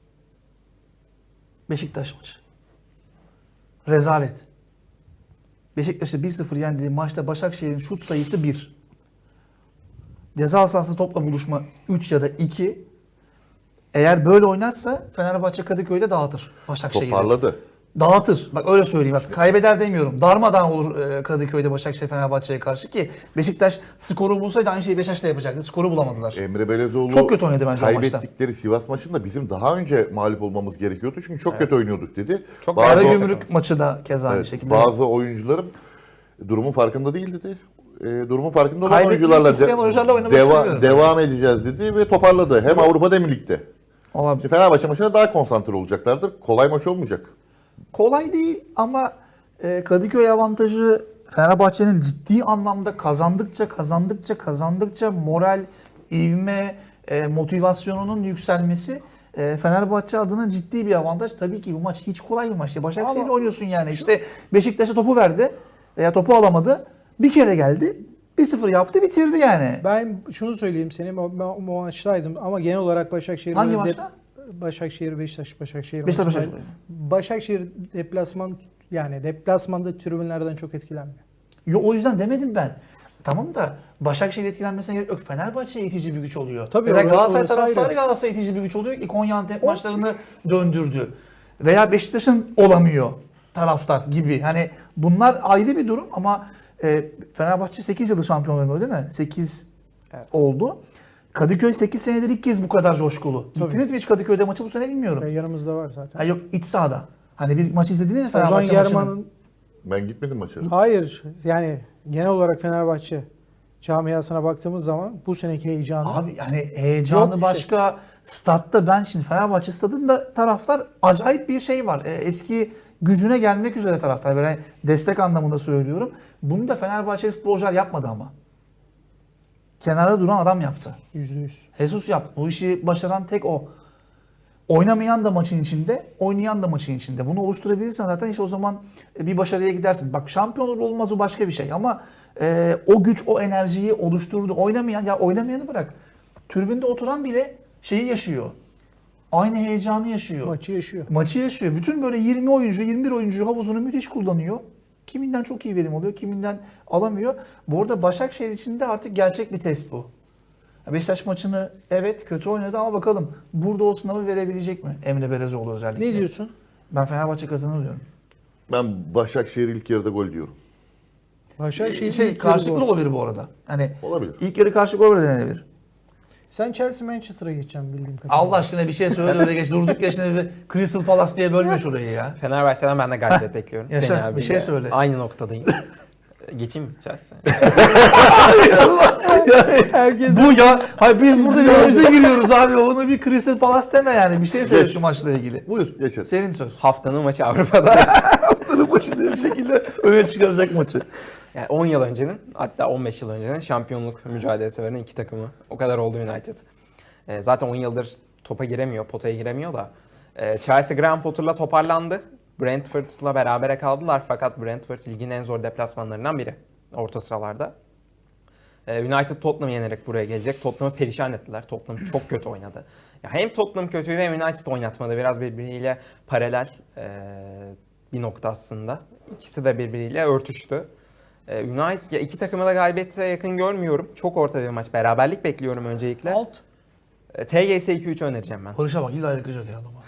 [SPEAKER 3] Beşiktaş maçı. Rezalet. Beşiktaş'ı bir sıfır yendiği maçta Başakşehir'in şut sayısı bir. Ceza sahası topla buluşma üç ya da iki. Eğer böyle oynarsa Fenerbahçe Kadıköy'de dağıtır Başakşehir'i.
[SPEAKER 2] Toparladı.
[SPEAKER 3] Dağıtır. Bak öyle söyleyeyim. Bak kaybeder demiyorum. Darmadağın olur e, Kadıköy'de Başakşehir Fenerbahçe'ye karşı ki Beşiktaş skoru bulsaydı aynı şeyi Beşiktaş da yapacaktı. Skoru bulamadılar.
[SPEAKER 2] Emre Belezoğlu
[SPEAKER 3] Çok kötü oynadı bence o maçta.
[SPEAKER 2] kaybettikleri Sivas maçında bizim daha önce mağlup olmamız gerekiyordu. Çünkü çok kötü oynuyorduk dedi.
[SPEAKER 4] Çok
[SPEAKER 2] bazı,
[SPEAKER 4] Bazı-
[SPEAKER 3] Karagümrük maçı da keza aynı
[SPEAKER 2] evet,
[SPEAKER 3] şekilde.
[SPEAKER 2] bazı oyuncularım durumun farkında değil dedi. E, durumun farkında olan
[SPEAKER 3] Kaybetmek
[SPEAKER 2] oyuncularla
[SPEAKER 3] isteyen oyuncularla oynamak
[SPEAKER 2] deva-
[SPEAKER 3] istemiyorum.
[SPEAKER 2] devam edeceğiz dedi ve toparladı. Hem Avrupa'da hem ligde.
[SPEAKER 3] Olabilir.
[SPEAKER 2] Şimdi Fenerbahçe maçına daha konsantre olacaklardır. Kolay maç olmayacak.
[SPEAKER 3] Kolay değil ama e, Kadıköy avantajı Fenerbahçe'nin ciddi anlamda kazandıkça kazandıkça kazandıkça moral, ivme, e, motivasyonunun yükselmesi e, Fenerbahçe adına ciddi bir avantaj. Tabii ki bu maç hiç kolay bir maç. Başakşehir'le
[SPEAKER 1] Ama-
[SPEAKER 3] oynuyorsun yani. İşte Beşiktaş'a topu verdi veya topu alamadı. Bir kere geldi. bir sıfır yaptı bitirdi yani.
[SPEAKER 1] Ben şunu söyleyeyim senin o, ben o maçtaydım ama genel olarak Başakşehir'in
[SPEAKER 3] Hangi
[SPEAKER 1] önünde-
[SPEAKER 3] maçta?
[SPEAKER 1] Başakşehir, Beşiktaş, Başakşehir.
[SPEAKER 3] Beşiktaş,
[SPEAKER 1] maçı.
[SPEAKER 3] Başakşehir.
[SPEAKER 1] Başakşehir deplasman yani deplasmanda tribünlerden çok etkilenmiyor.
[SPEAKER 3] Yo, o yüzden demedim ben. Tamam da Başakşehir etkilenmesine gerek yok. Fenerbahçe itici bir güç oluyor.
[SPEAKER 1] Tabii,
[SPEAKER 3] ya da
[SPEAKER 1] orası-
[SPEAKER 3] Galatasaray
[SPEAKER 1] orası
[SPEAKER 3] taraftarı
[SPEAKER 1] ayrı.
[SPEAKER 3] Galatasaray itici bir güç oluyor ki Konya Antep maçlarını döndürdü. Veya Beşiktaş'ın olamıyor taraftar gibi. Hani bunlar ayrı bir durum ama e, Fenerbahçe sekiz yıldır şampiyon olmuyor değil mi? sekiz
[SPEAKER 4] Evet.
[SPEAKER 3] oldu. Kadıköy sekiz senedir ilk kez bu kadar coşkulu.
[SPEAKER 1] Tabii.
[SPEAKER 3] Gittiniz mi hiç Kadıköy'de maçı bu sene bilmiyorum.
[SPEAKER 1] Ve yanımızda var zaten.
[SPEAKER 3] Ha yok iç sahada. Hani bir maç izlediniz mi
[SPEAKER 1] Ozan
[SPEAKER 3] Fenerbahçe maçını?
[SPEAKER 1] German'ın
[SPEAKER 2] Ben gitmedim maça.
[SPEAKER 1] hayır yani genel olarak Fenerbahçe camiasına baktığımız zaman bu seneki heyecanı
[SPEAKER 3] Abi yani heyecanı
[SPEAKER 1] Yok bir şey.
[SPEAKER 3] başka. Statta ben şimdi Fenerbahçe stadında taraftar acayip bir şey var. E, eski gücüne gelmek üzere taraftar. Böyle destek anlamında söylüyorum. Bunu da Fenerbahçeli futbolcular yapmadı ama. Kenara duran adam yaptı.
[SPEAKER 1] yüzde yüz.
[SPEAKER 3] Jesus yaptı. Bu işi başaran tek o. Oynamayan da maçın içinde, oynayan da maçın içinde. Bunu oluşturabilirsen zaten işte o zaman bir başarıya gidersin. Bak şampiyon olur olmaz o başka bir şey ama e, o güç, o enerjiyi oluşturdu. Oynamayan, ya oynamayanı bırak. Tribünde oturan bile şeyi yaşıyor. Aynı heyecanı yaşıyor.
[SPEAKER 1] Maçı yaşıyor.
[SPEAKER 3] Maçı yaşıyor. Bütün böyle yirmi oyuncu, yirmi bir oyuncu havuzunu müthiş kullanıyor. Kiminden çok iyi verim oluyor, kiminden alamıyor. Bu arada Başakşehir için de artık gerçek bir test bu. Beşiktaş maçını evet kötü oynadı ama bakalım burada o sınavı verebilecek mi Emre Belezoğlu özellikle?
[SPEAKER 1] Ne diyorsun?
[SPEAKER 3] Ben Fenerbahçe kazanır diyorum.
[SPEAKER 2] Ben Başakşehir ilk yarıda gol diyorum.
[SPEAKER 1] Başakşehir
[SPEAKER 3] Şey,
[SPEAKER 1] ilk
[SPEAKER 3] karşılıklı
[SPEAKER 1] yarı
[SPEAKER 3] da
[SPEAKER 1] gol.
[SPEAKER 3] olabilir bu arada. Hani
[SPEAKER 2] Olabilir.
[SPEAKER 3] ilk yarı karşılıklı gol de denebilir.
[SPEAKER 1] Sen Chelsea Manchester'a geçeceksin bildiğim kadarıyla.
[SPEAKER 3] Allah aşkına bir şey söyle öyle geç. Durduk ya şimdi bir Crystal Palace diye bölme şurayı ya.
[SPEAKER 4] Fenerbahçe'den ben de galibiyet bekliyorum.
[SPEAKER 3] yaşa,
[SPEAKER 4] Seni
[SPEAKER 3] bir
[SPEAKER 4] abiyle
[SPEAKER 3] şey söyle.
[SPEAKER 4] Aynı noktadayım. Geçeyim mi Chelsea?
[SPEAKER 1] Herkes
[SPEAKER 3] Bu ya, hayır biz burada birbirimize giriyoruz abi. Onu bir Crystal Palace deme yani. Bir şey söyle
[SPEAKER 2] Geç.
[SPEAKER 3] şu maçla ilgili. Buyur.
[SPEAKER 2] Geç hadi.
[SPEAKER 3] Senin söz.
[SPEAKER 4] Haftanın maçı Avrupa'da.
[SPEAKER 3] Haftanın başında bir şekilde öne çıkaracak maçı.
[SPEAKER 4] Yani on yıl öncenin hatta on beş yıl öncenin şampiyonluk mücadelesi veren iki takımı. O kadar oldu United. E, zaten on yıldır topa giremiyor, potaya giremiyor da. E, Chelsea Graham Potter'la toparlandı. Brentford'la berabere kaldılar fakat Brentford ligin en zor deplasmanlarından biri. Orta sıralarda. E, United Tottenham'ı yenerek buraya gelecek. Tottenham'ı perişan ettiler. Tottenham çok kötü oynadı. Ya hem Tottenham kötüydü hem United oynatmadı. Biraz birbiriyle paralel e, bir nokta aslında. İkisi de birbiriyle örtüştü. E, United ya iki takımı da galibiyete yakın görmüyorum. Çok orta bir maç. Beraberlik bekliyorum öncelikle.
[SPEAKER 1] alt.
[SPEAKER 4] E, T G S iki üç önereceğim ben.
[SPEAKER 3] Barış'a bak illa yakacak ya adama.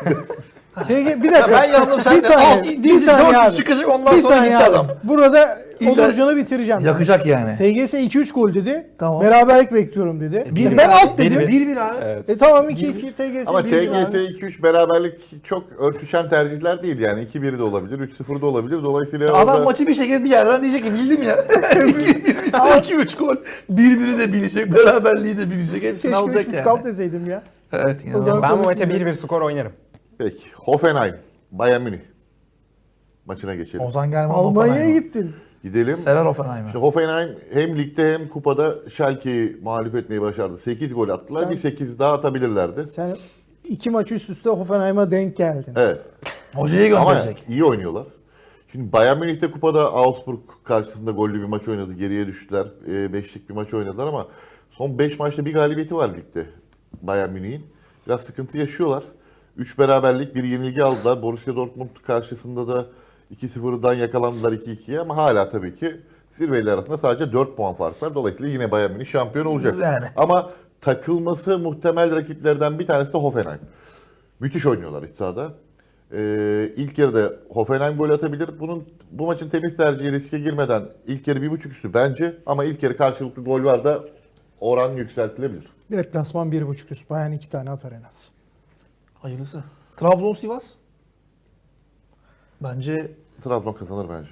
[SPEAKER 1] T G bir
[SPEAKER 3] Ya
[SPEAKER 1] dakika.
[SPEAKER 3] ben yandım sen
[SPEAKER 1] bir
[SPEAKER 3] de
[SPEAKER 1] saniye.
[SPEAKER 3] al,
[SPEAKER 1] bir
[SPEAKER 3] bir
[SPEAKER 1] saniye
[SPEAKER 3] saniye
[SPEAKER 1] abi.
[SPEAKER 3] çıkacak ondan
[SPEAKER 1] Bir
[SPEAKER 3] sonra
[SPEAKER 1] saniye
[SPEAKER 3] gitti
[SPEAKER 1] abi.
[SPEAKER 3] adam.
[SPEAKER 1] Burada
[SPEAKER 3] İlla-
[SPEAKER 1] Onurcan'ı bitireceğim. ben.
[SPEAKER 3] Yakacak yani.
[SPEAKER 1] T G S iki üç gol dedi.
[SPEAKER 3] Tamam.
[SPEAKER 1] Beraberlik bekliyorum dedi.
[SPEAKER 3] Bir-
[SPEAKER 1] ben
[SPEAKER 3] bir-
[SPEAKER 1] alt
[SPEAKER 4] bir-
[SPEAKER 1] dedim.
[SPEAKER 4] bir-
[SPEAKER 3] bir bir abi.
[SPEAKER 4] Evet.
[SPEAKER 1] E tamam iki iki T G S
[SPEAKER 2] Ama
[SPEAKER 1] bir
[SPEAKER 2] T
[SPEAKER 1] bir
[SPEAKER 2] G S
[SPEAKER 1] abi.
[SPEAKER 2] iki üç beraberlik çok örtüşen tercihler değil yani. iki bir de olabilir, üç sıfır da olabilir. Dolayısıyla
[SPEAKER 3] Adam
[SPEAKER 2] orada
[SPEAKER 3] maçı bir şekilde bir yerden diyecek ki bildim ya. iki üç gol. bir biri de bilecek. Beraberliği de bilecek. Hepsini
[SPEAKER 1] Keşke üç
[SPEAKER 3] alacak
[SPEAKER 1] buçuk
[SPEAKER 3] yani.
[SPEAKER 1] alt deseydim ya.
[SPEAKER 3] Evet.
[SPEAKER 1] O zaman-
[SPEAKER 3] inanılmaz.
[SPEAKER 4] Ben bu maça bir bir skor oynarım.
[SPEAKER 2] peki. Hoffenheim, Bayern Münih maçına geçelim.
[SPEAKER 3] Ozan German
[SPEAKER 1] Almanya'ya
[SPEAKER 3] Hoffenheim'a.
[SPEAKER 1] gittin.
[SPEAKER 2] Gidelim.
[SPEAKER 3] Sever Hoffenheim'i.
[SPEAKER 2] İşte Hoffenheim hem ligde hem kupada Schalke'yi mağlup etmeyi başardı. sekiz gol attılar.
[SPEAKER 1] Sen-
[SPEAKER 2] Bir sekiz daha atabilirlerdi.
[SPEAKER 1] Sen iki maç üst üste Hoffenheim'a denk geldin.
[SPEAKER 2] Evet.
[SPEAKER 3] Hocayı
[SPEAKER 2] Ama
[SPEAKER 3] gönderecek.
[SPEAKER 2] iyi oynuyorlar. Şimdi Bayern Münih'te kupada Augsburg karşısında gollü bir maç oynadı. Geriye düştüler. E, beşlik bir maç oynadılar ama son beş maçta bir galibiyeti var ligde Bayern Münih'in. Biraz sıkıntı yaşıyorlar. üç beraberlik, bir yenilgi aldılar. Borussia Dortmund karşısında da iki sıfırdan yakalandılar iki ikiye ama hala tabii ki zirveler arasında sadece dört puan fark var. Dolayısıyla yine Bayern Münih şampiyon olacak.
[SPEAKER 3] Yani.
[SPEAKER 2] Ama takılması muhtemel rakiplerden bir tanesi de Hoffenheim. Müthiş oynuyorlar iç sahada. Ee, ilk yarıda Hoffenheim gol atabilir. Bunun bu maçın temiz tercihi riske girmeden ilk yarı bir buçuk üstü bence ama ilk yarı karşılıklı gol var da oran yükseltilebilir.
[SPEAKER 1] Deplasman bir buçuk üst. Bayern iki tane atar en az.
[SPEAKER 3] Hayırlısı. Trabzon Sivas. Bence
[SPEAKER 2] Trabzon kazanır bence.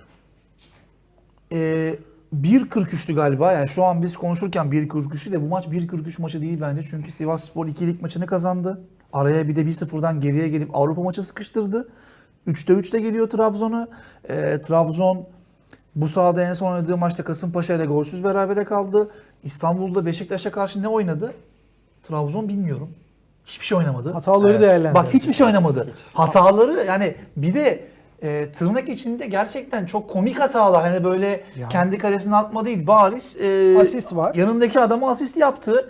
[SPEAKER 3] e, bir kırk üçtü galiba. Yani şu an biz konuşurken bir kırk üçü de bu maç bir kırk üç maçı değil bence. Çünkü Sivasspor ikilik maçını kazandı. Araya bir de bir sıfırdan geriye gelip Avrupa maçı sıkıştırdı. üçte üçte geliyor Trabzon'a. E, Trabzon bu sahada en son oynadığı maçta Kasımpaşa ile golsüz berabere kaldı. İstanbul'da Beşiktaş'a karşı ne oynadı? Trabzon bilmiyorum. Hiçbir şey oynamadı.
[SPEAKER 1] Hataları
[SPEAKER 4] Evet.
[SPEAKER 1] değerlendir.
[SPEAKER 3] Bak hiçbir şey oynamadı. Hataları yani bir de e, tırnak içinde gerçekten çok komik hatalar. Hani böyle
[SPEAKER 1] Ya.
[SPEAKER 3] kendi kalesine atma değil. Bariz e,
[SPEAKER 1] Asist var.
[SPEAKER 3] yanındaki adama asist yaptı.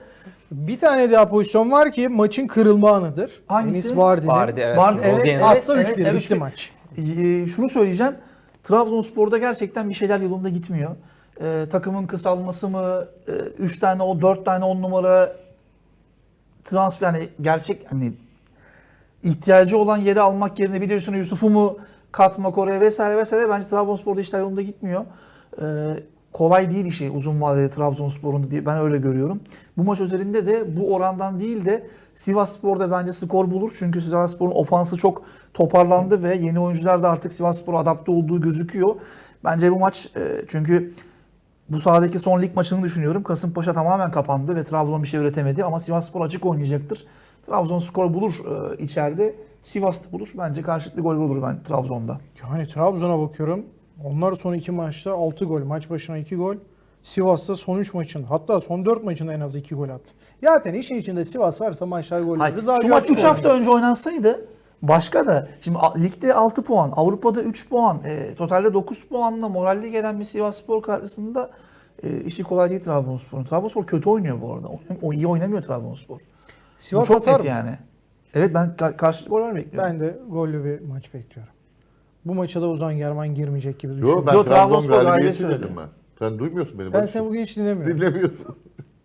[SPEAKER 1] Bir tane daha pozisyon var ki maçın kırılma anıdır.
[SPEAKER 3] Hangisi?
[SPEAKER 1] Enis Vardy'nin.
[SPEAKER 4] Vardy, evet.
[SPEAKER 3] Vardy, evet,
[SPEAKER 4] Rozier.
[SPEAKER 3] evet.
[SPEAKER 1] Atsa üç bir
[SPEAKER 3] evet,
[SPEAKER 1] bitti
[SPEAKER 3] evet.
[SPEAKER 1] maç.
[SPEAKER 3] Ee, şunu söyleyeceğim. Trabzonspor'da gerçekten bir şeyler yolunda gitmiyor. Ee, takımın kısalması mı, üç tane o dört tane on numara transfer, yani gerçek hani ihtiyacı olan yeri almak yerine bir de üstüne Yusuf'u mu katmak oraya vesaire vesaire, bence Trabzonspor'da işler yolunda gitmiyor. Ee, kolay değil işi uzun vadede Trabzonspor'un diye ben öyle görüyorum. Bu maç üzerinde de bu orandan değil de Sivasspor'da bence skor bulur. Çünkü Sivasspor'un ofansı çok toparlandı ve yeni oyuncular da artık Sivasspor'a adapte olduğu gözüküyor. Bence bu maç e, çünkü bu sahadaki son lig maçını düşünüyorum. Kasımpaşa tamamen kapandı ve Trabzon bir şey üretemedi ama Sivasspor açık oynayacaktır. Trabzon skor bulur e, içeride. Sivas'ta bulur. Bence karşılıklı gol olur ben Trabzon'da.
[SPEAKER 1] Yani Trabzon'a bakıyorum. Onlar son iki maçta altı gol. Maç başına iki gol. Sivas'ta son üç maçın, hatta son dört maçında en az iki gol attı. Zaten işin içinde Sivas varsa maçlar gol
[SPEAKER 3] Hayır,
[SPEAKER 1] olur.
[SPEAKER 3] şu maç üç hafta önce oynansaydı başka da. Şimdi a- ligde altı puan, Avrupa'da üç puan, e, totalde dokuz puanla moralli gelen bir Sivasspor karşısında e, işi kolay değil Trabzonspor'un. Trabzonspor kötü oynuyor bu arada. O, o iyi oynamıyor Trabzonspor.
[SPEAKER 1] Sivas
[SPEAKER 3] Bu çok
[SPEAKER 1] atar
[SPEAKER 3] net
[SPEAKER 1] mı?
[SPEAKER 3] yani. Evet, ben ka- karşılıklı goller bekliyorum.
[SPEAKER 1] Ben de gollü bir maç bekliyorum. Bu maça da Ozan Germán girmeyecek gibi düşünüyorum.
[SPEAKER 2] Yo ben
[SPEAKER 3] Yo,
[SPEAKER 2] Trabzon
[SPEAKER 3] Trabzonspor
[SPEAKER 2] galibiyeti
[SPEAKER 3] galibiyeti
[SPEAKER 2] dedim
[SPEAKER 3] söyledim.
[SPEAKER 2] ben. Sen duymuyorsun beni.
[SPEAKER 1] Ben
[SPEAKER 2] Barış.
[SPEAKER 1] seni bugün hiç dinlemiyorum.
[SPEAKER 2] Dinlemiyorsun.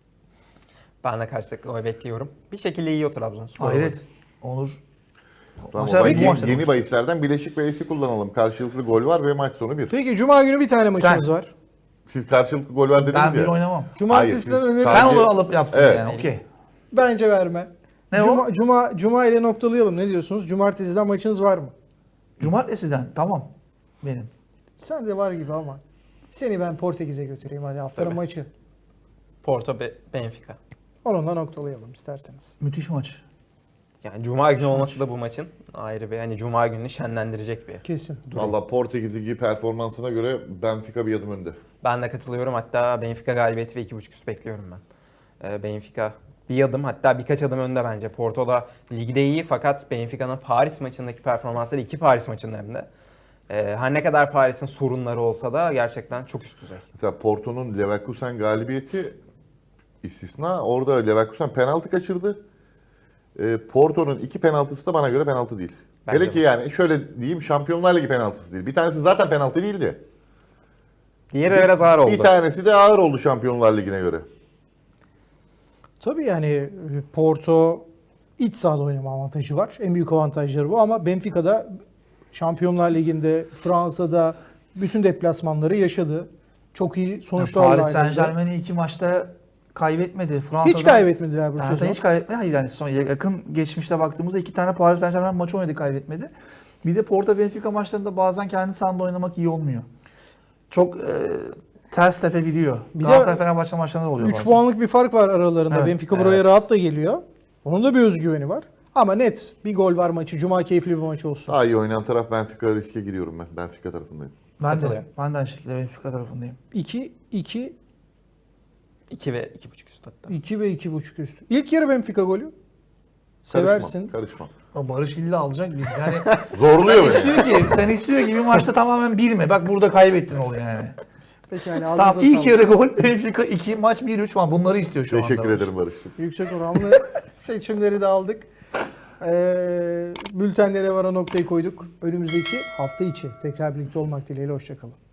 [SPEAKER 4] Ben de karşılıklı gol bekliyorum. Bir şekilde yiyor Trabzonspor.
[SPEAKER 3] Hayret. Olur.
[SPEAKER 2] Tamam,
[SPEAKER 3] Maçlar
[SPEAKER 2] o zaman
[SPEAKER 3] bu
[SPEAKER 2] yeni,
[SPEAKER 3] maçlar
[SPEAKER 2] yeni
[SPEAKER 3] olmuş.
[SPEAKER 2] bahislerden bileşik bahisi kullanalım. Karşılıklı gol var ve maç sonu bir.
[SPEAKER 1] Peki Cuma günü bir tane maçımız
[SPEAKER 3] Sen-
[SPEAKER 1] var.
[SPEAKER 2] Siz karşılıklı gol var dediniz
[SPEAKER 3] Ben
[SPEAKER 2] ya.
[SPEAKER 3] bir oynamam.
[SPEAKER 1] Cumartesiden
[SPEAKER 2] Hayır,
[SPEAKER 1] öneri.
[SPEAKER 2] siz-
[SPEAKER 3] Sen
[SPEAKER 2] Sadece-
[SPEAKER 3] onu alıp yaptın
[SPEAKER 2] Evet.
[SPEAKER 3] yani. Okey.
[SPEAKER 1] Bence verme.
[SPEAKER 3] Ne
[SPEAKER 1] Cuma,
[SPEAKER 3] o?
[SPEAKER 1] Cuma, Cuma ile noktalayalım. Ne diyorsunuz? Cumartesiden maçınız var mı?
[SPEAKER 3] Cumartesiden. Tamam. Benim.
[SPEAKER 1] Sen de var gibi ama. Seni ben Portekiz'e götüreyim hadi haftanın
[SPEAKER 4] Tabii.
[SPEAKER 1] maçı.
[SPEAKER 4] Porto Be- Benfica.
[SPEAKER 1] Onunla noktalayalım isterseniz.
[SPEAKER 3] Müthiş maç.
[SPEAKER 4] Yani Cuma günü olması da bu maçın ayrı bir, hani Cuma gününü şenlendirecek bir.
[SPEAKER 1] Kesin.
[SPEAKER 2] Valla Portekiz Ligi performansına göre Benfica bir adım önde.
[SPEAKER 4] Ben de katılıyorum. Hatta Benfica galibiyeti ve iki buçuk üst bekliyorum ben. Ee, Benfica bir adım, hatta birkaç adım önde bence. Porto da ligde iyi fakat Benfica'nın Paris maçındaki performansları, iki Paris maçında hem de. Ee, her ne kadar Paris'in sorunları olsa da gerçekten çok üst düzey.
[SPEAKER 2] Mesela Porto'nun Leverkusen galibiyeti istisna. Orada Leverkusen penaltı kaçırdı. Ee, Porto'nun iki penaltısı da bana göre penaltı değil.
[SPEAKER 4] Bence
[SPEAKER 2] Hele ki
[SPEAKER 4] de.
[SPEAKER 2] yani şöyle diyeyim, Şampiyonlar Ligi penaltısı değil. Bir tanesi zaten penaltı değildi.
[SPEAKER 4] Diğeri de biraz ağır oldu.
[SPEAKER 2] Bir tanesi de ağır oldu Şampiyonlar Ligi'ne göre.
[SPEAKER 1] Tabii yani Porto iç sahada oynama avantajı var. En büyük avantajları bu ama Benfica'da Şampiyonlar Ligi'nde, Fransa'da bütün deplasmanları yaşadı. Çok iyi sonuçlarla
[SPEAKER 3] Paris
[SPEAKER 1] ayrıldı.
[SPEAKER 3] Saint Germain'i iki maçta kaybetmedi. Fransa'da
[SPEAKER 1] Hiç kaybetmediler bu
[SPEAKER 3] Yani
[SPEAKER 1] sezon.
[SPEAKER 3] hiç kaybetmedi. Hayır, yani son yakın geçmişte baktığımızda iki tane Paris Saint Germain maçı oynadı, kaybetmedi. Bir de Porto Benfica maçlarında bazen kendi sahanda oynamak iyi olmuyor. Çok e, ters tepebiliyor.
[SPEAKER 1] Bir de
[SPEAKER 3] Galatasaray Fenerbahçe maçlarında oluyor
[SPEAKER 1] üç
[SPEAKER 3] bazen.
[SPEAKER 1] puanlık bir fark var aralarında.
[SPEAKER 3] Evet,
[SPEAKER 1] Benfica buraya
[SPEAKER 4] evet.
[SPEAKER 1] rahat da geliyor. Onun da bir özgüveni var. Ama net bir gol var maçı. Cuma keyifli bir maç olsun.
[SPEAKER 2] Daha iyi oynayan taraf Benfica, riske giriyorum ben. Benfica tarafındayım.
[SPEAKER 3] Ben de,
[SPEAKER 4] Katılıyorum.
[SPEAKER 3] ben de aynı şekilde Benfica tarafındayım.
[SPEAKER 1] iki iki
[SPEAKER 4] iki ve iki buçuk üst hatta.
[SPEAKER 1] iki ve iki buçuk üstü. İlk yarı Benfica golü.
[SPEAKER 2] Karışmam,
[SPEAKER 1] Seversin.
[SPEAKER 2] Karışmam.
[SPEAKER 3] O Barış illa alacak biz. Yani
[SPEAKER 2] Zorluyor
[SPEAKER 3] sen
[SPEAKER 2] beni.
[SPEAKER 3] istiyor ki, sen istiyor ki bir maçta tamamen bir mi? Bak burada kaybettin oluyor yani.
[SPEAKER 1] Peki yani
[SPEAKER 3] Tamam,
[SPEAKER 1] ağzınıza
[SPEAKER 3] ilk
[SPEAKER 1] sağlık.
[SPEAKER 3] yarı gol, Benfica iki, maç bir üç falan, bunları istiyor şu anda.
[SPEAKER 2] Teşekkür
[SPEAKER 3] Barış.
[SPEAKER 2] ederim Barış'cığım.
[SPEAKER 1] Yüksek oranlı seçimleri de aldık. Ee, bültenlere vara noktayı koyduk. Önümüzdeki hafta içi tekrar birlikte olmak dileğiyle. Hoşçakalın.